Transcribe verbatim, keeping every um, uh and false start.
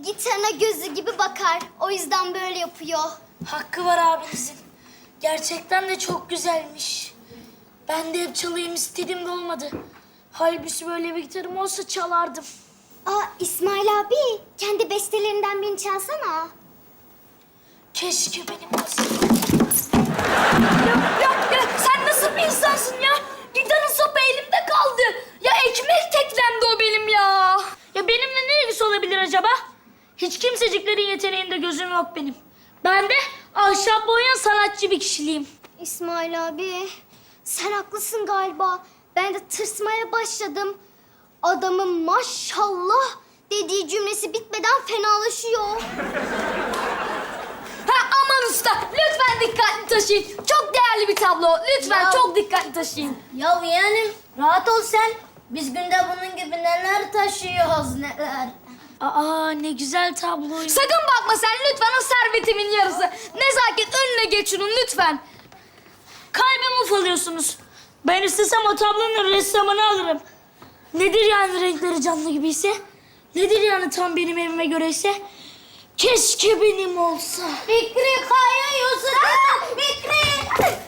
gitarına gözü gibi bakar. O yüzden böyle yapıyor. Hakkı var abinizin. Gerçekten de çok güzelmiş. Ben de hep çalayım istedim de olmadı. Halbuki böyle bir gitarım olsa çalardım. Aa İsmail abi, kendi bestelerinden birini çalsana. Keşke benim olsa. Ya, ya, ya sen nasıl bir insansın ya? Gitarın sapı elimde kaldı. Ya ekmek teklemdi o benim ya. Ya benimle ne ilgisi olabilir acaba? Hiç kimseciklerin yeteneğinde gözüm yok benim. Ben de ahşap boyayan sanatçı bir kişiliğim. İsmail abi, sen haklısın galiba. Ben de tırsmaya başladım. Adamın maşallah dediği cümlesi bitmeden fenalaşıyor. Ha aman usta, lütfen dikkatli taşıyın. Çok değerli bir tablo. Lütfen Ya. çok dikkatli taşıyın. Ya yeğenim rahat ol sen. Biz günde bunun gibi neler taşıyoruz neler. Aa ne güzel tabloymuş. Sakın bakma sen lütfen o servetimin yarısı. Nezaket önüne geç şunun lütfen. Kalbimi ufalıyorsunuz. Ben istesem o tablonun ressamını alırım. Nedir yani renkleri canlı gibiyse? Nedir yani tam benim evime göreyse? Keşke benim olsa. Fikri kayıyorsun. Fikri.